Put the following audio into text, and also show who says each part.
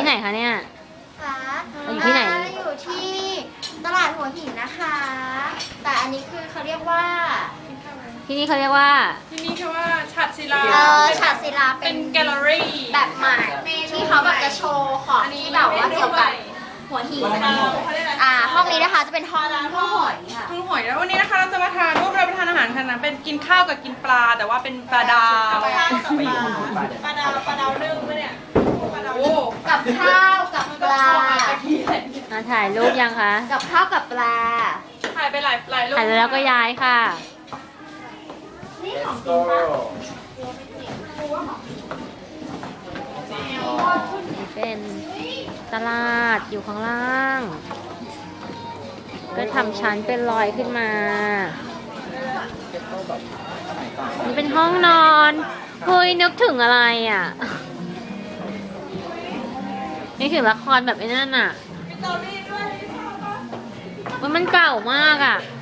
Speaker 1: ไหนคะเนี่ย
Speaker 2: ค่ะ
Speaker 1: อยู่ที่ไหน
Speaker 2: อยู่ที่ตลาดหัวหินนะคะ แต่อันนี้คือเขาเรียกว่า
Speaker 1: ที่นี่เขาเรียกว่า
Speaker 3: ที่นี่คือว่าฉัตรศิลา
Speaker 2: ฉาดศิลา
Speaker 3: เป็นแกลเลอรี่
Speaker 2: แบบใหม่ที่เขาแบบจะโชว์ของที่แบบว่าเกี่ยวกับหัวหิน
Speaker 3: เขาเรียกอะไร
Speaker 2: ห้องนี้นะคะจะเป็นห้องหอยค่ะ
Speaker 3: ทุ่งหอยแล้ววันนี้นะคะเราจะมาทานร่วมรับประทานอาหารกันนะเป็นกินข้าวกับกินปลาแต่ว่าเป็นปลาดาวปลาดาวนึ่งปะเนี่ยโอ้
Speaker 2: กับข้าวกับปลา
Speaker 1: มาถ่ายรูปยังคะ
Speaker 2: กับข้าวกับปลา
Speaker 3: ถ่ายไปหลายรูป
Speaker 1: ถ่ายแล้วก็ย้ายค่ะ
Speaker 2: นี่ของจริงปะ
Speaker 1: นี่เป็นตลาดอยู่ข้างล่าง ก็ทำชั้นเป็นรอยขึ้นมา นี่เป็นห้องนอนเฮ้ยนึกถึงอะไรอ่ะนึกถึงละครแบบไอ้นั่นอ่ะมันเก่ามากอ่ะ